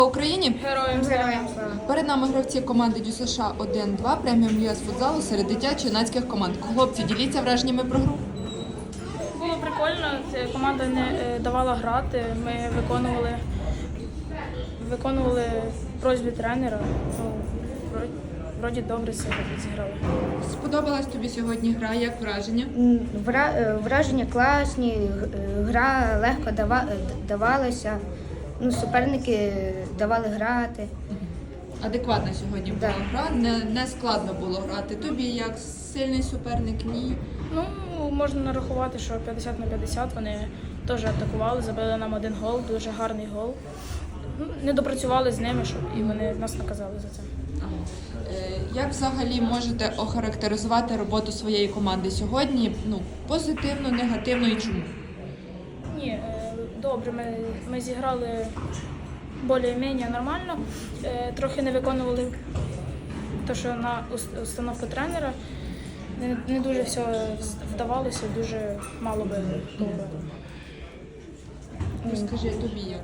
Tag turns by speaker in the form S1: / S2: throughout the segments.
S1: Україні
S2: Героям слава.
S1: перед нами гравці команди ДЮСШ 1-2 преміум ЮЕС футзалу серед дитячо-юнацьких команд. Хлопці, діліться враженнями про гру.
S2: Було прикольно, команда не давала грати, ми виконували просьби тренера. Вроді добре себе зіграли.
S1: Сподобалась тобі сьогодні гра, як враження?
S3: Враження класні, гра легко давалася, суперники давали грати.
S1: Адекватна сьогодні була гра, не складно було грати. Тобі як сильний суперник, ні?
S2: Ну, можна нарахувати, що 50/50 вони теж атакували, забили нам 1 гол, дуже гарний гол. Не допрацювали з ними, і вони нас наказали за це.
S1: Як взагалі можете охарактеризувати роботу своєї команди сьогодні? Позитивно, негативно і чому?
S2: Ні, добре, ми зіграли більш-менш нормально, трохи не виконували те, що на установку тренера, не дуже все вдавалося, дуже мало би було.
S1: Розкажи тобі, як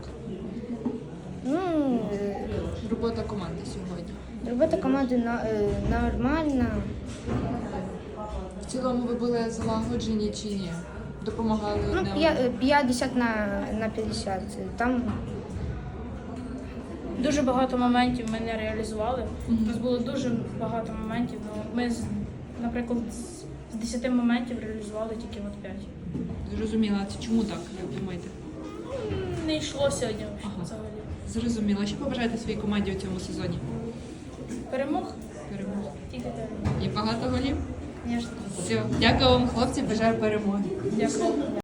S1: робота команди сьогодні?
S3: Робота команди нормальна.
S1: В цілому ви були залагоджені чи ні? Допомагали одне одному?
S3: 50/50. Там
S2: Дуже багато моментів ми не реалізували. У нас було дуже багато моментів. Ми, наприклад, з 10 моментів реалізували тільки 5.
S1: Зрозуміла. А чому так, як думаєте?
S2: Не йшло сьогодні взагалі.
S1: Зрозуміла. Що побажаєте своїй команді у цьому сезоні?
S2: Перемог?
S1: Перемоги.
S2: Тільки перемог.
S1: І багато голів?
S2: Звісно.
S1: Все. Дякую вам, хлопці, бажаю перемоги.
S2: Дякую.